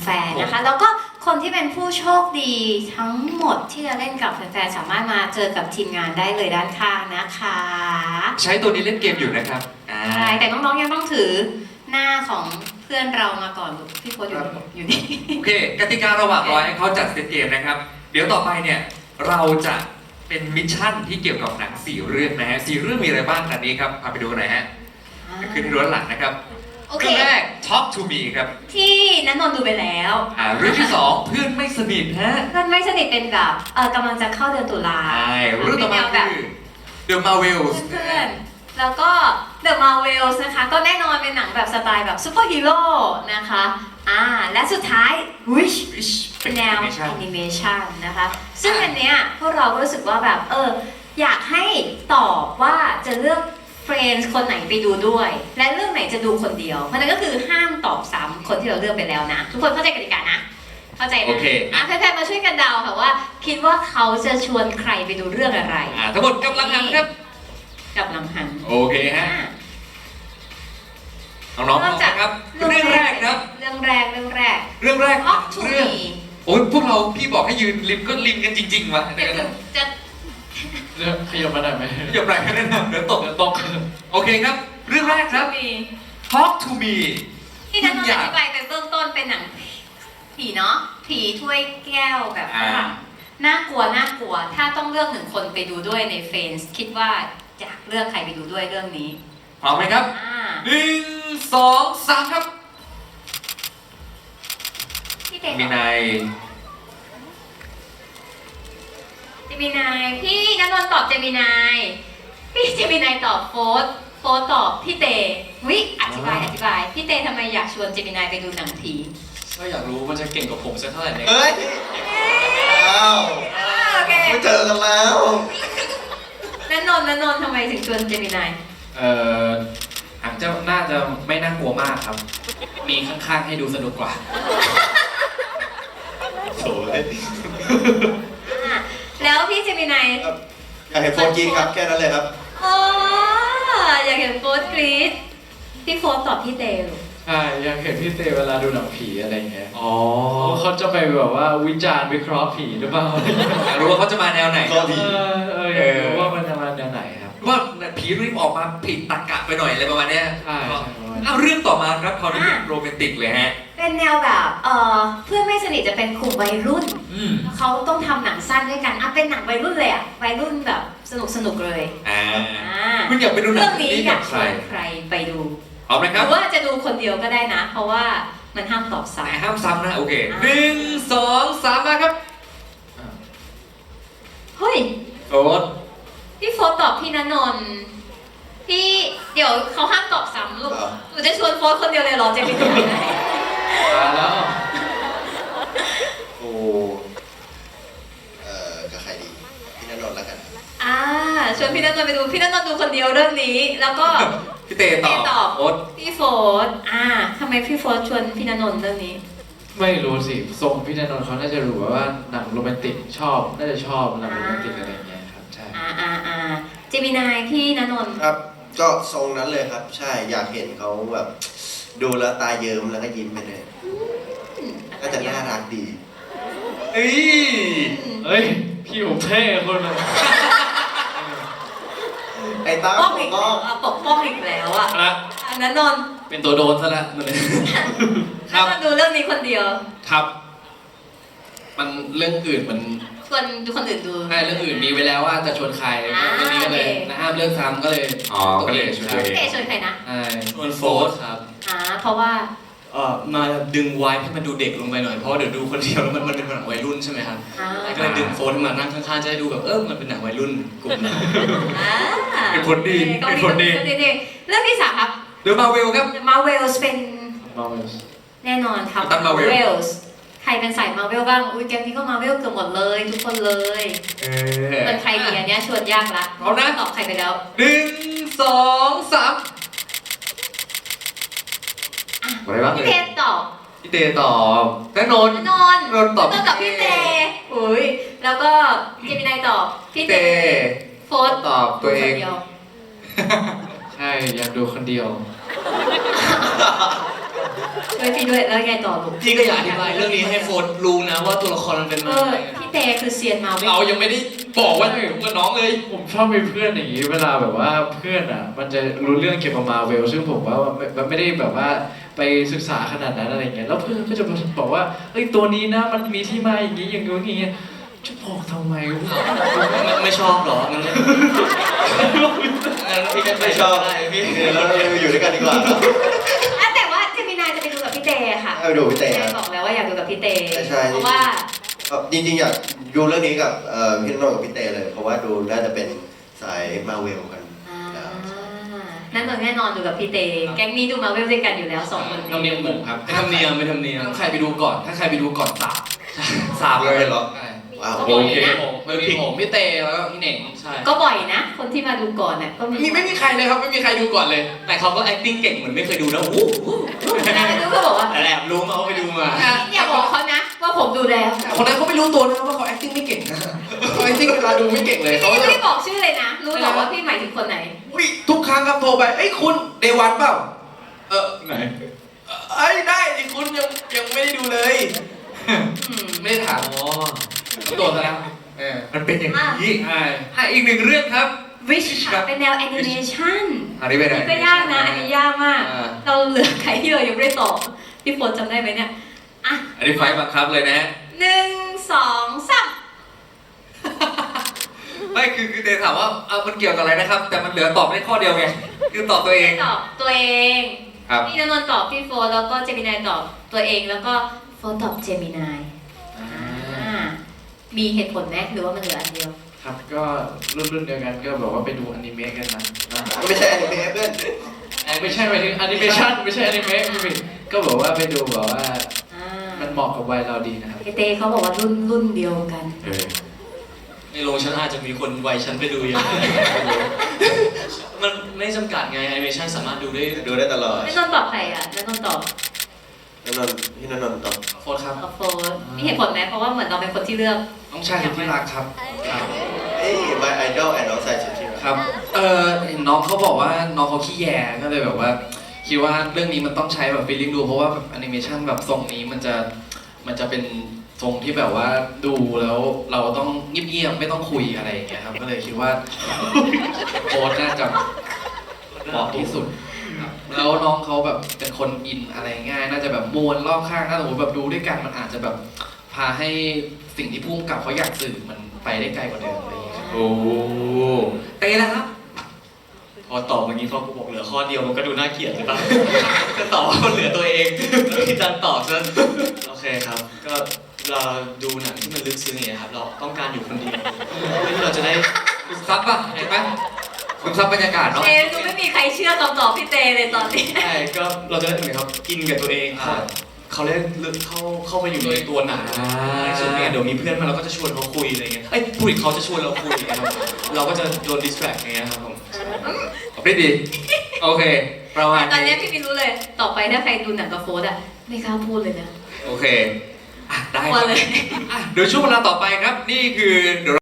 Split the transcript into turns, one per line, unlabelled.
แฟนนะคะแล้วก็คนที่เป็นผู้โชคดีทั้งหมดที่จะเล่นกับแฟนๆสามารถมาเจอกับทีมงานได้เลยด้านข้างนะคะ
ใช้ตัวนี้เล่นเกมอยู่นะครับ
ใช่แต่น้องๆยังต้องถือหน้าของเพื่อนเรามาก่อนลูกพี่โค้ชอยู่นี่
โอเคกติการะหว่างรอให้เขาจัดเซตเกมนะครับเดี๋ยวต่อไปเนี่ยเราจะเป็นมิชชั่นที่เกี่ยวกับหนัง4เรื่องนะฮะ4เรื่องมีอะไรบ้างอันนี้ครับพาไปดูกันหน่อยฮะขึ้นที่ด้านหลังนะครับ
โอเค
เรื่องแรก Talk to me ครับ
ที่นันนนท์ดูไปแล้ว
เรื่องที่2เพื่อนไม่สนิทฮะ
เพื่อนไม่สนิทเป็นแบบกำลังจะเข้าเดือนตุลา
ใช่เรื่องต่อมา
แบบ
คือ The Marvels
เพื่อนๆแล้วก็ The Marvels นะคะก็แน่นอนเป็นหนังแบบสไตล์แบบซูเปอร์ฮีโร่นะคะและสุดท้าย Wish เป็นแนวแอนิเมชันนะคะซึ่งอันเนี้ยพวกเราก็รู้สึกว่าแบบอยากให้ตอบว่าจะเลือกเฟรนด์คนไหนไปดูด้วย และเรื่องไหนจะดูคนเดียวเพราะนั้นก็คือห้ามตอบซ้ำคนที่เราเลือกไปแล้วนะทุกคนเข้าใจกติกานะเข้าใจนะ
โอเค
แฟนๆมาช่วยกันเดาค่ะว่าคิดว่าเขาจะชวนใครไปดูเรื่องอะไร
ทั้งหมดกำลังหันครับ
กับลำหัน
โอเคฮะน้องๆพร้อมนะครับ เรื่องแรกครับ
เรื่องแรก
เรื่องแรก
Talk to
เรื่อง
me
โอ้ยพวกเราพี่บอกให้ยืนริมก็ริมกันจริงๆวะ
จะ
เรื่องขยับมาหน่อยไหม
อย่าไปกันนะเดี๋ยวตก
เดี๋ยวตก
โอเคครับ เรื่องแรกครับ
มี
Talk to me
ที่นันนนท์อธิบายไปเบื้องต้นเป็นหนังผีเนาะผีถ้วยแก้วแบบฝรั่งน่ากลัวถ้าต้องเลือกหนึ่งคนไปดูด้วยในเฟนส์คิดว่าอยากเลือกใครไปดูด้วยเรื่องนี้
พร้อมไหมครับ 1 2 3 ครับ
พี่เด็ก
มีนาย
เจมินายพี่นันนนท์ตอบเจมินายพี่เจมินายตอบโฟสตอบพี่เตวิอธิบายพี่เตทำไมอยากชวนเจมินายไปดูหนังผี
ก็อยากรู้ว่าจะเก่งกว่าผมสักเท่าไหร่เนี่ย
เฮ้ย อ้าว
โอเค
ไม่เจอกันแล้ว
นันนนท์ทำไมถึงชวนเจมินาย
อาจจะน่าจะไม่น่ากลัวมากครับ มีข้างๆให้ดูสนุกกว่า
โถ่เลย
แล้วพี่เจมินาย
ครับอยากเห็นโฟนกินครับ แค่นั้นเลยครับ
อ๋ออยากเห็นโฟสกรีดพี่โฟสตอบพี่เตลูก
ใช่อยากเห็นพี่เตเวลาดูหนังผีอะไรเงี้ย
อ๋อ
เขาจะไปแบบว่าวิจารณ์วิเคราะห์ผีหรือเปล่า
อยากรู้ว่าเขาจะมาแนวไหน
ก็ดี
อยากรู้ว่ามันจะมาแนวไหนครับ
ว่าผีรีบออกมาผิดตรรกะไปหน่อยอะไรประมาณเนี้ย
ใช่
เอาเรื่องต่อมาครับคราวนี้โรแมนติกเลยฮะ
เป็นแนวแบบเพื่อนไม่สนิทจะเป็นกลุ่มวัยรุ่น
อืม
เขาต้องทำหนังสั้นด้วยกันเป็นหนังวัยรุ่นเลยวัยรุ่นแบบสนุกเลย
คุณอยากไปดูหนั
เรื่อง งนี้
นี้
อยา
กับ
กช
ใคร
วนใครไปดู
เอาไหม
ห
ครั
รื
บ
อว่าจะดูคนเดียวก็ได้นะ เพราะว่ามันห้ามตอบซ้
แต่ห้ามซ้ำนะโอเค1 2 3มาครับ
ำเฮ้ย
โอ๊ต
พี่โฟสตอบพี่ณนนท์พี่เดี๋ยวเขาห้ามตอบซ้ำลูก
ครับ
หนูจะชวนโฟสคนเดียวเลยเหรอเจมินาย
มาแล้ว
โอ้กับใครดี พี่ณนนท์แล้วกัน
ชวนพี่ณนนท์ไปดูพี่ณนนท์ดูคนเดียวเรื่องนี้ แล้วก็
พี่เตต
พี่ต
อ
อ
บบ โอ๊ต
พี่โฟสทำไมพี่โฟสชวนพี่ณนนท์เรื่องนี้
ไม่รู้สิทรงพี่ณนนท์เขาน่าจะรู้ว่าหนังโรแมนติกน่าจะชอบหนังโรแมนติกอะไรเงี้ยครับใช่
เจมินายพี่ณนนท์
ครับ ก็ทรงนั้นเลยครับ ใช่ อยากเห็นเขาแบบ ดูแล้วตาเยิ้มแล้วก็ยิ้มไปเลยน่าจะน่ารักดี
เอ้ย
เฮ้ยพี่ผมเท่คนเลย
ไอ้ตา
ป้อง
ผ
อี
ม
ก
ก็
แล้วปกป้องอีกแล้วอ่ะ
นะ
ณนนท์
เป็นตัวโดนซะแล้วมันเลย
ณนนท์ดูเรื่องนี้คนเดียว
ครับ มันเรื่องอื่นมัน
ชวนดูคนอื่นดู
ใช่เรื่องอื่นมีไว้แล้วว่าจะชวนใครเรื่องนี้ก็เลย
โอเค
นะห้ามเลือกซ้ำก็เลย
ก็เลยชวนตัวเอง
เตชวนใครนะ
ใช่ชวนโฟสครับ
เพราะว่า
มาดึงไวท์ให้มันดูเด็กลงไปหน่อยเพราะว่าเดี๋ยวดูคนเดียวแล้วมันเป็นหนังวัยรุ่นใช่ไหมครับก็เลยดึงโฟนมานั่งข้างๆจะได้ดูแบบมันเป็นหนังวัยรุ่นกลุ่มนั้น
เป็นผลดีเป็นผลดี
เรื่องที่สามครับ
เดี๋ยวมาเวลครับ
Marvels เป็น
มาเวล
แน่นอนครับ
กัปตัน Marvel
ใครเป็นสาย Marvel บ้างอุ้ยแกมนี้ก็ Marvel เกือบหมดเลยทุกคนเลยเป็นใครดีอันเนี้ยชวนยากละ
เอานะ
ตอบใครไปแล้ว
1 2 3อะไรบ้าง
พี่
เล
เท
ย
ตอบ
พี่เตตอบแน่นอน
นอน
นนท์ตอบ
กับพี่เตอุ้ยแล้วก็เจมินายตอบพี่เต
เต
โฟส
ตอบตัวเอง
คนดีย
ใช่อยากดูคนเดียว
ช่วยพี่ด้วยแล้วไงต่อลูก
พี่ก็อยากอธิบายเรื่องนี้ให้โฟนรู้นะว่าตัวละครมันเป็น
เอ
มา
อ
ไง
พี่เตคือเซียนมาเวล
เรายังไม่ได้บอกว่าอยู่กับน้องเลย
ผมชอบมีเพื่อนอย่างนี้เวลาแบบว่าเพื่อนอ่ะมันจะรู้เรื่องเกี่ยวกับมาเวลซึ่งผมว่ามันไม่ได้แบบว่าไปศึกษาขนาดนั้นอะไรเงี้ยแล้วเพื่อนก็จะบอกว่าเอ้ยตัวนี้นะมันมีที่มาอย่างนี้อย่างนู้นอย่างเงี้ยจะบอกทำไมวะ
ไม่ชอบเหรองั้นพี่ก็ไม่ชอบได้พี่
เราอยู่ด้วยกันดีกว่า
อ่ะแต่ว่าเจมินายจะไปดูกับพี่เตค่ะ
เอาดูพี่เต้ครับ
บอกแล้วว่าอยากดูกับพี่เต
ใช่
เพราะว่า
จริงๆอยากดูเรื่องนี้กับพี่นนท์กับพี่เต้เลย เพราะว่าดูน่าจะเป็นสายมาเวลกัน
นั่นแน่นอนดูกับพี่เต แก๊งนี้ดูมาเวลด้วยกันอยู่แล้วสองคน
น้องเนียมหมูครับ
ไม่ทำเนียมไม่ทำเนียม
ถ้าใครไปดูก่อน ถ้าใครไปดูก่อนสาบเลย
เหรอ
ใช่
ว้าว
ก็
โอ
บ่อย
เค
นะ
มีผมพี่เตแล้วก็พี่เหน่ง
ใช่
ก็บ่อยนะ คนที่มาดูก่อนน่ะก็มี
ไม่มีใครเลยครับไม่มีใครดูก่อนเลย
แต่เขาก็ acting เก่งเหมือนไม่เคยดูนะอู้
แล้วไปดูก็บอกว่า
แต่แอบรู้มาว่าไปดูมา
อย่าบอกเขานะว่าผมดูแล้ว
แต่คนนั้นเขาไม่รู้ตัวนะว่าเขา acting ไม่เก่งนะเขา acting เวลาดูไม่เก่งเลยเขา
พี่
จะ
ไม่ได้บอกชื่อเลยนะ รู้หรอกว่าพี่หมายถึงคนไหน
อุ๊ยทุกครั้งครับโทรไปเอ้ยคุณเดวันเปล่าไหนเอ้ยได้ดิคุณยังไม่ได้ดูเลย ไม่ได้ถามอ๋อโดนซะแล้วมันเป็นอย่างนี้อีกหนึ่งเรื่องครับ
Wish ค่ะเป็นแนวแอนิเมชัน
อันนี้เป็นอะไร
นี่ก็ยากนะ อันนี้ยากมาก เราเหลือใครที่เรายังไม่ได้ตอบพี่โฟนจำได้ไหมเนี่ย อ่ะ
อันนี้ไฟล์บังคับเลยนะฮะ
1 2 3
ไม่คือเดถามว่ามันเกี่ยวกับอะไรนะครับ แต่มันเหลือตอบได้ข้อเดียวไงคือตอบตัวเอง
ตอบตัวเอง
ครับ
พี่นนท์ตอบพี่โฟนแล้วก็เจมินายตอบตัวเองแล้วก็โฟนตอบเจมินายมีเหตุผลไหมหรือว่ามันเหลืออันเดียว
ครับก็รุ่นเดียวกันก็บอกว่าไปดูอนิเมะกันนะ
ไม่ใช่อนิเมะเพื่อน
ไม่ใช่หมายถึงแอนิเมชันไม่ใช่อนิเมะพี่บิ๊กก็บอกว่าไปดูแบบว่า
อ่า
มันเหมาะกับวัยเราดีนะครับ
เตเขาบอกว่ารุ่นเดียวกัน
ในโรงฉันอาจจะมีคนวัยฉันไปดูเยอะมันไม่จำกัดไงแอนิเมชันสามารถดูได้
ดูได้ตลอด
ไม่นนท์ตอบใครอ่ะแล้วนนท์ตอบ
พี่นนท์ตอบ
โฟนครับ
ตอบโฟนมีเหตุผลไหมเพราะว่าเหมือนเราเป็นคนที่เลือก
น้องชายสุดที่รักครับ
เอ้ย my idol and น้องใส่ชุดที่รัก
ครับเห็นน้องเขาบอกว่าน้องเขาขี้แยก็เลยแบบว่าคิดว่าเรื่องนี้มันต้องใช้แบบฟีลลิ่งดูเพราะว่าแบบแอนิเมชันแบบทรงนี้มันจะเป็นทรงที่แบบว่าดูแล้วเราต้องเงียบๆไม่ต้องคุยอะไรอย่างเงี้ยครับก็เลยคิดว่าโค้ดน่าจะเหมาะที่สุดครับแล้วน้องเขาแบบเป็นคนอินอะไรง่ายน่าจะแบบมวลรอบข้างถ้าสมมติแบบดูด้วยกันมันอาจจะแบบพาให้สิ่งที่พุ่งกับเขาอยากสื่อมันไปได้ไกลกว่าเดิมอะไรอย่างเงี้ยครับโอ้เตะแล้วครับ
พอตอบอย่างนี้พอกูบอกเหลือข้อเดียวมันก็ดูน่าเกลียดใช่ปะ ก็ตอบว่ามันเหลือตัวเองแล้วพี่จันตอบซะโอเคครับ ก็เราดูหนังที่มันลึกซึ้งอย่างเงี้ยครับเราต้องการอยู่คนเดียวเพื่อที่เราจะได้
ซึมซับป่ะเห็นไหมซึมซับบรรยากาศเนาะ
เตดูไม่มีใครเชื่อคำตอบพี่เตเลยตอนนี้
ใช่ก็เราจะได้เหมือนครับอินกับตัวเองเขาเรียกลึกเข้าไปอยู่ในตัวหนังในสุดเนี่ยเดี๋ยวมีเพื่อนมาเราก็จะชวนเขาคุยอะไรเงี้ยเอ้ยผู้หญิงเขาจะชวนเราคุยนะครับเราก็จะโดนดิสแทรกอย่างเงี้ยครับผม
ตอบได้ดี โอเค ประมาณ
ตอนนี้
นี้
พี่ไม่รู้เลย ต่อไปถ้าใครดูหนังกับโฟร์อ่ะ ไม่กล้าพูดเลยนะ
โอเค ได้
กลัวเลย
เดี๋ยวช่วงเวลาต่อไปครับ นี่คือ